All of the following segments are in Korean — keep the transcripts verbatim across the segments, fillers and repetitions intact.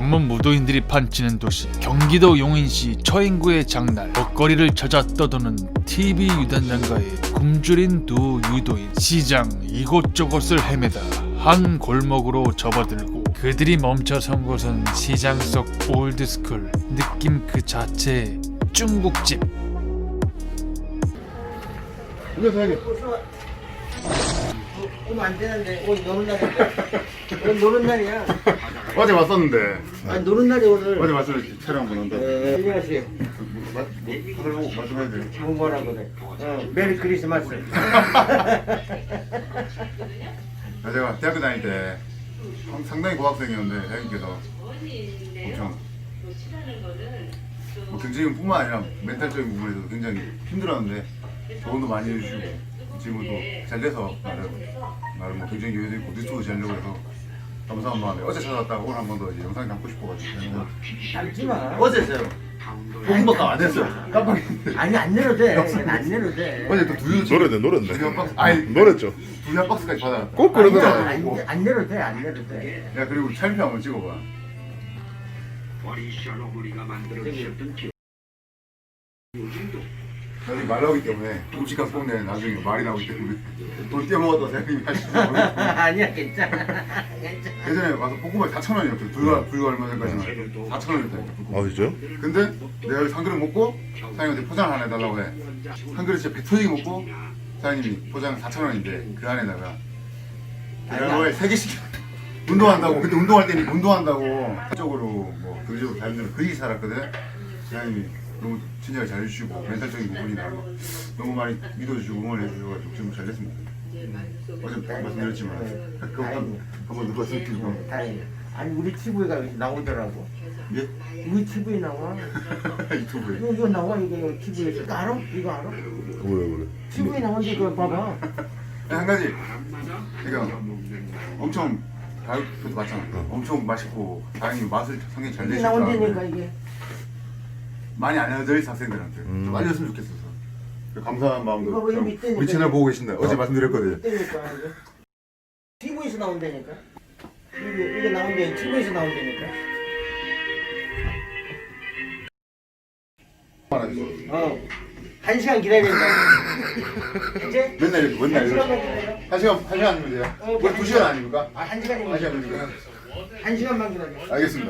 전문 무도인들이 판치는 도시 경기도 용인시 처인구의 장날, 먹거리를 찾아 떠도는 티비 유단장과의 굶주린 두 유도인. 시장 이곳저곳을 헤매다 한 골목으로 접어들고 그들이 멈춰선 곳은 시장 속 올드스쿨 느낌 그 자체의 중국집. 이거 사야겠. 오면 안 되는데 오늘 노는 날인데 오늘 노는 날이야. 어제 왔었는데. 아니 노는 날이 오늘. 어제 왔을 때 촬영 한번 한다. 네, 안녕하세요. 뭐, 다들 보고 말씀해야 돼요. 뭐 뭐라 그래. 어, 메리 크리스마스. 아, 제가 대학교 다닐 때 상당히 고학생이었는데 대학님께서 엄청 뭐 경제적인 뿐만 아니라 멘탈적인 부분에서도 굉장히 힘들었는데 조언도 많이 해주시고 지금은 또 잘 돼서 나름 나름 뭐 경쟁 기회도 있고 유튜브 잘 되고 해서 감사한 마음에 어제 찾아왔다가 오늘 한 번 더 이제 영상 담고 싶어가지고 담지 마. 어제서요. 공부가 안 됐어요. 깜빡했는데. 아니 안 내려도 돼. 안 내려도 돼. 어제 또 두유 노래네 노래네 두유 박스 아니 노랬죠. 두유 한 박스까지 받아. 꼭 아니, 그러더라. 안, 안, 안 내려도 돼. 안 내려도 돼. 야 그리고 촬영 한번 찍어봐. 나중에 말 나오기 때문에 음식값 뽕내 나중에 말이 나오기 때문에 돈 떼먹었다 생각이 하시죠. 아니야 괜찮아. 괜찮아. 예전에 와서 볶음밥 사천 원이었어요. 불과 불과 얼마 전까지는 사천 원이었다니까. 아 진짜요? 근데 내가 여기서 한 그릇 먹고 사장님한테 포장 하나 해달라고 해. 한 그릇 진짜 배 터지게 먹고 사장님이 포장 사천 원인데 그 안에다가 계란후라이 세 개씩 운동한다고. 그때 운동할 때니 운동한다고 쪽으로 뭐 경제적으로 다른데는 그리 살았거든. 사장님이 너무 친절하게 잘해주시고 멘탈적인 부분이나 너무 많이 믿어주시고 응원해주셔가지고 지금 잘 됐습니다. 어제 말씀드렸지만 그거 한- 한번 눌러주시고. 다행이야. 아니 우리 티비가 여기 나오더라고. 예? 우리 티비에 나와. 유튜브에. 이거, 이거 나와 이게 티비에서. 이거 알아? 이거 알아? 그래 그래. 티비에 나오는데 그거 봐봐. 한 가지 그러니까 엄청 다이어트도 맞잖아. 엄청 맛있고 다행히 맛을 상당히 잘 이게 내시니까 나온다니까 이게. 많이 안 알려져 있어 학생들한테 음. 좀 알렸으면 좋겠어서 감사한 마음도 이거 왜 좀 밑에 우리 채널 보고 계신다. 어제 말씀드렸거든. 그러니까 이게 티비에서 나온다니까. 이게 이게 나온대. 티비에서 나온다니까. 어. 한 시간 기다려야 돼. 이제 맨날 이렇게 맨날 한 시간만 이렇게 기다려. 한 시간 한 시간 아니면 돼요? 어, 우리 두 시간 아닙니까? 아, 한 시간이면 한 시간이니까. 한 시간만 기다려. 알겠습니다.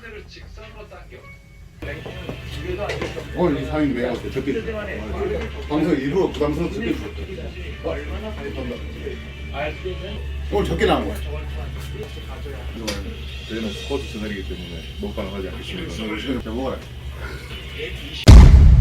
오늘 이 사장님 내가 적게 줘. 방송 일부러 부담스러워 적게 줘. 어? 오늘 적게 나온 거야. 저희는 스포츠 채널이기 때문에 먹방을 하지 않겠습니다. 자, 먹어라.